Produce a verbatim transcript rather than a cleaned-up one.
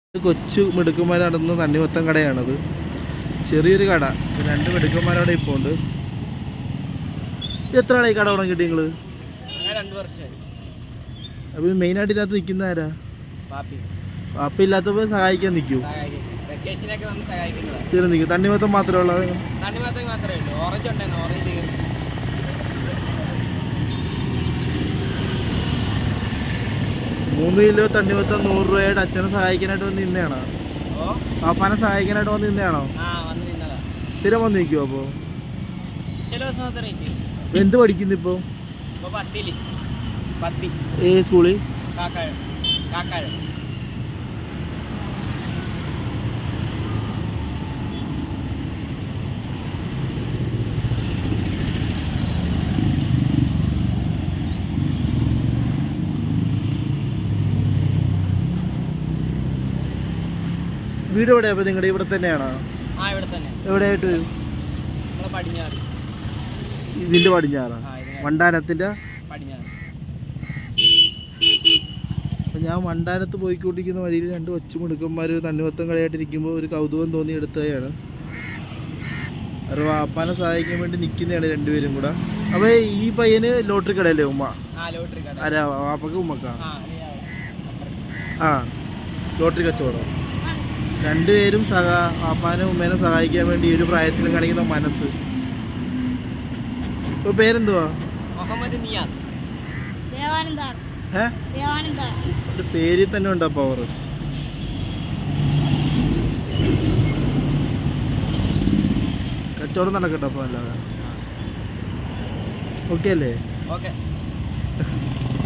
കൊച്ചു മിടുക്കന്മാർ നടന്ന തണ്ണിമത്തൻ കടയാണത്. ചെറിയൊരു കട. രണ്ട് മിടുക്കന്മാരവിടെ ഇപ്പോൾ ഉണ്ട്. എത്ര ആളായി കട തുടങ്ങിയിട്ട് നിങ്ങൾ? അപ്പോൾ മെയിനായിട്ട് ഇതിനകത്ത് നിൽക്കുന്ന ആരാ? പാപ്പ ഇല്ലാത്തപ്പോൾ സഹായിക്കാൻ നിൽക്കൂ. സ്ഥിരം നിൽക്കും. തണ്ണിമത്തം മാത്രമേ ഉള്ളത്? മൂന്ന് കിലോ തണ്ണിമത്തം നൂറ് രൂപയായിട്ട് അച്ഛനെ സഹായിക്കാനായിട്ട് വന്ന് നിന്നെയാണോ? പാപ്പാനെ സഹായിക്കാനായിട്ട് വന്ന് നിന്നെയാണോ? സ്ഥിരം വന്ന് നിൽക്കുമോ? അപ്പോൾ എന്ത് പഠിക്കുന്നു ഇപ്പോൾ? ഏത് സ്കൂളിൽ? വീട് എവിടെയാ? അപ്പോൾ നിങ്ങളുടെ ഇവിടെ തന്നെയാണോ? എവിടെയായിട്ട് വരും? ഇതിൻ്റെ പടിഞ്ഞാറാ? വണ്ടാനത്തിൻ്റെ? അപ്പം ഞാൻ വണ്ടാനത്ത് പോയിക്കൊണ്ടിരിക്കുന്ന വഴിയിൽ രണ്ട് ഒച്ചുമിടുക്കന്മാർ തണ്ണിമത്തം കളിയായിട്ടിരിക്കുമ്പോൾ ഒരു കൗതുകം തോന്നി എടുത്തതാണ്. അവർ വാപ്പാനെ സഹായിക്കാൻ വേണ്ടി നിൽക്കുന്നതാണ് രണ്ടുപേരും കൂടെ. അപ്പോൾ ഈ പയ്യന് ലോട്ടറി കടയല്ലേ ഉമ്മ? ആരാ? വാപ്പക്ക് ഉമ്മക്കാ? ആ, ലോട്ടറി കച്ചവടം. രണ്ടുപേരും സഹാ വാപ്പാനും ഉമ്മേനെ സഹായിക്കാൻ വേണ്ടി ഈ ഒരു പ്രായത്തിലും കാണിക്കുന്ന മനസ്സ്. ഇപ്പോൾ പേരെന്തുവാ? പേരിൽ തന്നെ ഉണ്ടോ പവർ? കച്ചവടം നടക്കട്ടെ അപ്പോൾ. അല്ലാതെ ഓക്കെ അല്ലേ?